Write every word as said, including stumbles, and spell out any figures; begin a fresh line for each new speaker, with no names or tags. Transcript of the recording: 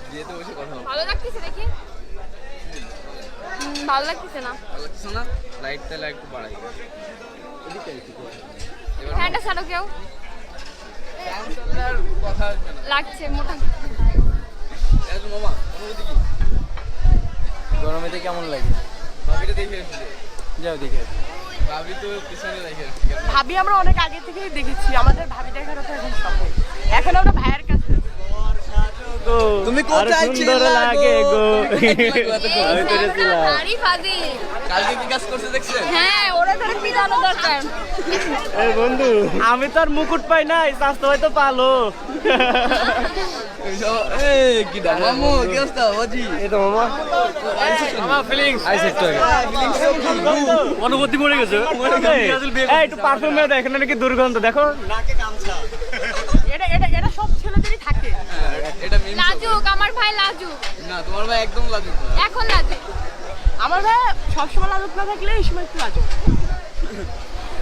বিয়েতে বসে কথা হবে।
ভালো লাগতেছে দেখি? ভালো লাগতেছে না।
ভালো লাগছে না? লাইটটা লাইট একটু বাড়াই।
ফ্যানটা ছাড়ো কেউ।
ফ্যান চালালে আর কথা আসবে না।
লাগছে মোটা।
এই যে মামা, অনুভূতি কি?
গরমেতে কেমন লাগে?
ভাবিটা দেখে আসলে।
যাও দেখে আসি।
ভাবি তো পিছনে দেখে আসলে।
ভাবি আমরা অনেক আগে থেকেই দেখেছি, আমাদের ভাবি দেখার তো এখন শখ। এখন আমরা ভাইয়ের কাছে
তুমি কোথায় ছিলে লাগে গো?
আমি করেছিলাম। আরে ফাজি।
কালকে কি কাজ করছে দেখছেন?
হ্যাঁ, ওরা ধরে পিটানো দরকার।
এই বন্ধু, আমি তো আর মুকুট পাই নাই, স্বাস্থ্য হয়তো পালো।
এই কি দাম মামু কি অবস্থা বাজি?
এই তো মামা মামা ফিলিংস আইছে তো
ফিলিংস
অনুভূতি মরে গেছে। এই একটু পারফিউম মেরে দেখেন নাকি দুর্গন্ধ দেখো। নাকে গামছা।
এটা এটা এটা সব ছেলেদেরই থাকে।
এটা মিম
লাজুক, আমার ভাই লাজুক।
না তোমার ভাই একদম লাজুক না।
এখন লাজুক।
আমার ভাই সবসময় লাজুক না থাকলে এই সময় একটু লাজুক।